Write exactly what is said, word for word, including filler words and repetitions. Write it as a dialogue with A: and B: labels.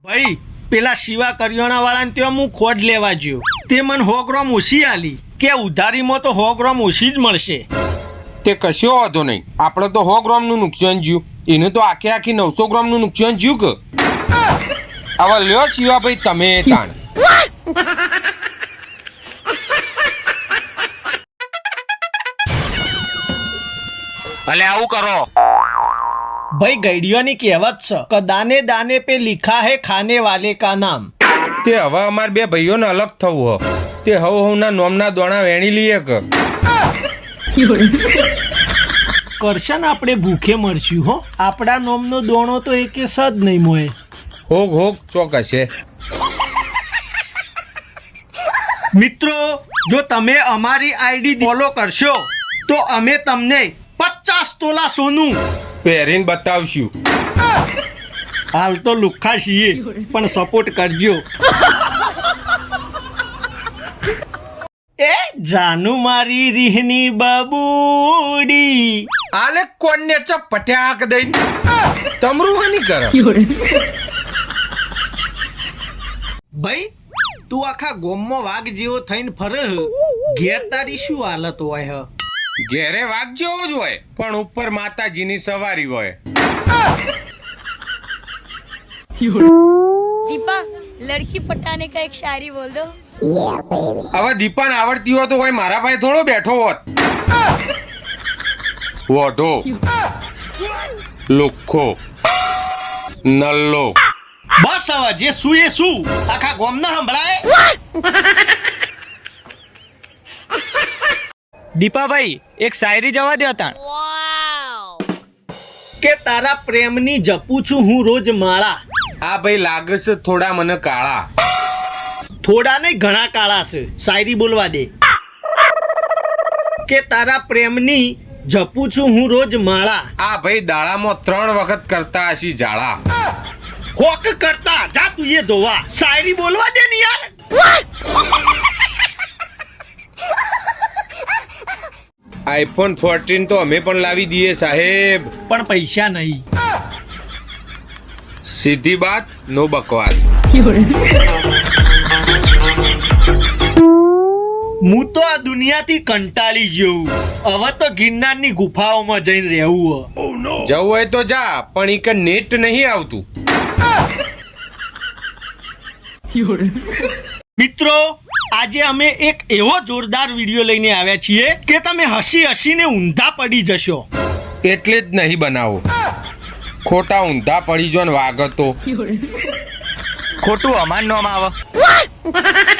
A: ભાઈ પેલા શિવા કરિયાણા વાળાને ત્યાં હું ખોડ લેવા ગયો, તે મને સો ગ્રામ ઓછી આલી કે ઉધારીમાં તો સો ગ્રામ ઓછી જ મળશે.
B: તે કશો વાંધો નહીં, આપણે તો સો ગ્રામનું નુકસાન જ્યું, એને તો આખે આખી નવસો ગ્રામનું નુકસાન જ્યું કે. હવે લ્યો શિવાભાઈ તમે તાણ.
C: અલે આવું કરો
A: ભાઈ ગઈડિયોની કહેવત છે કે દાને દાને पे लिखा है खाने वाले का नाम.
B: તે હવે અમાર બે ભાઈઓને અલગ થવું હ, તે હવ હવના નોમના દોણા વેણી લઈએ કે.
A: કરશન આપણે ભૂખે મરશું હો, આપણા નોમનો દોણો તો એકે સદ નહીં મોય.
B: હોગ હોગ ચોકસે.
A: મિત્રો જો તમે અમારી આઈડી ફોલો કરશો તો અમે તમને પચાસ તોલા સોનું
B: પહેરીને બતાવશું.
A: હાલ તો લુખ્ખા છીએ પણ સપોર્ટ કરજો. એ જાનુ મારી રીહની બબુડી
B: આલે કોને ચપટ્યાક દઈ તમરું હની કર.
A: ભાઈ તું આખા ગોમમાં વાઘ જેવો થઈને ફરે હ. ઘેર તારી શું હાલત હોય હ?
B: ઘેરે વાઘ જેવો જ હોય પણ ઉપર માતાજીની સવારી હોય.
D: दीपा लड़की पटाने का एक शायरी बोल दो.
B: હવે દીપાને આવડતી હોય તો કોઈ મારા ભાઈ થોડો બેઠો હોત. વોઢો લુખ્ખો નલ્લો.
A: બસ હવે જે શું એ શું આખા ગોમના સંભળાય.
C: દીપાભાઈ એક શાયરી જવા દો તાણ.
A: કે તારા પ્રેમની જપું છું હું રોજ માળા.
B: આ ભાઈ લાગે છે થોડા મને કાળા.
A: થોડા નહીં ઘણા કાળા છે, શાયરી બોલવા દે. કે તારા પ્રેમની જપું છું હું રોજ માળા.
B: આ ભાઈ દાડામાં ત્રણ વખત કરતા હશી ઝાડા.
A: હોક કરતા જા તું એ ધોવા. શાયરી બોલવા દે ને યાર.
B: આઈફોન ફોર્ટીન તો અમે પણ લાવી દઈએ સાહેબ,
A: પણ પૈસા નહીં.
B: સીધી બાત નો બકવાસ.
A: હું તો આ દુનિયાથી કંટાળી ગયો, હવે તો ગિરનારની ગુફાઓમાં જઈને રહેવું.
B: જવું હોય તો જા પણ ઈ કે નેટ નહીં આવતું.
A: મિત્રો આજે અમે એક એવો જોરદાર વિડીયો લઈને આવ્યા છીએ કે તમે હસી હસીને ઊંધા પડી જશો.
B: એટલે જ નહીં બનાવો, ખોટા ઊંધા પડી જો ને વાગતો.
C: ખોટું અમાર નોમ આવે.